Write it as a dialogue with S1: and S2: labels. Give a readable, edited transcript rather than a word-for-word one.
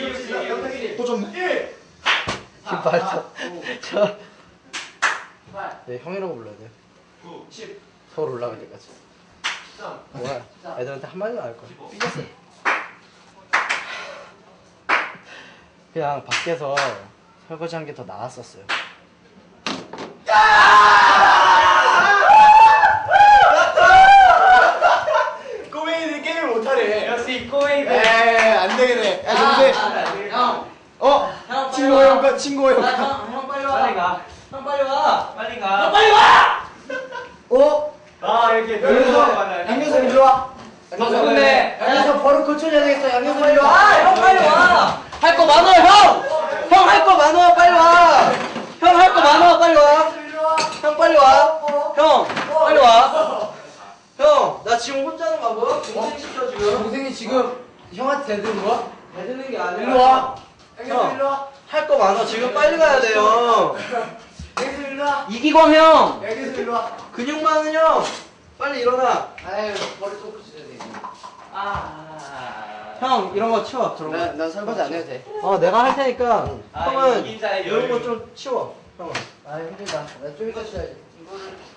S1: 또 줬네. 1.
S2: 말도. 저. 네, 형이라고 불러야 돼.
S1: 9, 10.
S2: 서울 올라갈 때까지.
S1: 13.
S2: 뭐야? 애들한테 한마디도 안 할 거야. 삐졌어. 그냥 밖에서 설거지 한 게 더 나았었어요.
S1: 꼬맹이들이 게임을 못하래.
S3: 역시 꼬맹이들.
S1: 에이, 안 되겠네. 야, 정세.
S3: 형.
S1: 형, 친구의 효과, 친구의 효과.
S3: 형 빨리 와.
S4: 빨리 가.
S3: 형 빨리 와.
S4: 빨리 가.
S3: 빨리 와.
S4: 아 이렇게
S2: 양현석 이리 와.
S3: 누군데?
S2: 양현석 버릇 고쳐줘야 되겠어. 양현석 이리 와.
S3: 형 빨리 와. 할 거 많아 형. 형 할 거 많아 빨리 와. 형 할 거 많아 빨리 와. 형 빨리 와. 형 빨리 와. 형 나 지금 혼자 하는 거 뭐야? 동생 시켜 지금.
S2: 동생이 지금 형한테 대드는 거야?
S3: 대드는 게 아니라.
S2: 일로 와.
S3: 형.
S2: 일로 와.
S3: 할 거 많아 지금 빨리 가야 돼요.
S2: 양현석 일로 와.
S3: 이기광 형.
S2: 양현석 일로 와.
S3: 근육 많은 형. 빨리 일어나.
S2: 아유 버릇 좀 고쳐줘야 돼.
S3: 형 이런 거 치워. 저런 거.
S2: 난 설거지 안 해도 돼.
S3: 내가 할 테니까
S4: 아,
S3: 형은
S4: 이긴 자의
S3: 이런
S4: 여유.
S3: 거 좀 치워. 형은.
S2: 아 힘들다. 나 좀 이따 쉬어야지. 이거를